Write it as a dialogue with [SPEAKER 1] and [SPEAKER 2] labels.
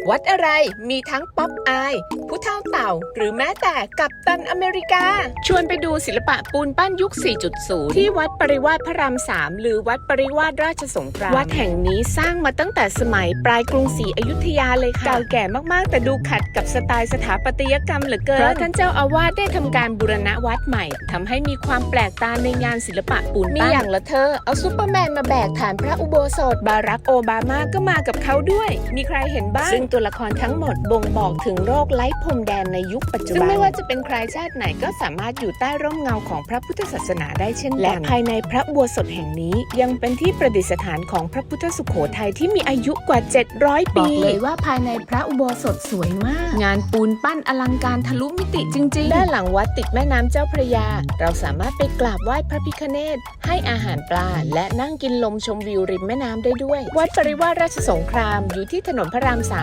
[SPEAKER 1] วัดอะไรมีทั้งป๊อปอายผู้เฒ่าเต่าหรือแม้แต่กัปตันอเมริกาชวนไปดูศิลปะปูนปั้นยุค 4.0 ที่วัดปริวาสพระราม 3 หรือวัดปริวาสราชสงครามวัดแห่งนี้สร้างมาตั้งแต่สมัยปลายกรุงศรีอยุธยาเลยค่ะเก่าแก่มากๆแต่ดูขัดกับสไตล์สถาปัตยกรรมเหลือเกินเพราะท่านเจ้าอาวาสได้ทำการบูรณะวัดใหม่ทำให้มีความแปลกตาในงานศิลปะปูนปั้นมีอย่างละเธอเอาซูเปอร์แมนมาแบกฐานพระอุโบสถบารักโอบามาก็มากับเขาด้วยมีใครเห็นบ้างซึ่งตัวละครทั้งหมดบ่งบอกถึงโรคไร้พรมแดนในยุคปัจจุบันซึ่งไม่ว่าจะเป็นใครชาติไหนก็สามารถอยู่ใต้ร่มเงาของพระพุทธศาสนาได้เช่นกันและภายในพระอุโบสถแห่งนี้ยังเป็นที่ประดิษฐานของพระพุทธสุโขทัยที่มีอายุกว่า700 ปีบอกเลยว่าภายในพระอุโบสถสวยมากงานปูนปั้นอลังการทะลุมิติจริงๆด้านหลังวัดติดแม่น้ำเจ้าพระยาเราสามารถไปกราบไหว้พระพิฆเนศให้อาหารปลาและนั่งกินลมชมวิวริมแม่น้ำได้ด้วยวัดปริวาสราชสงครามอยู่ที่ถนนพระราม 3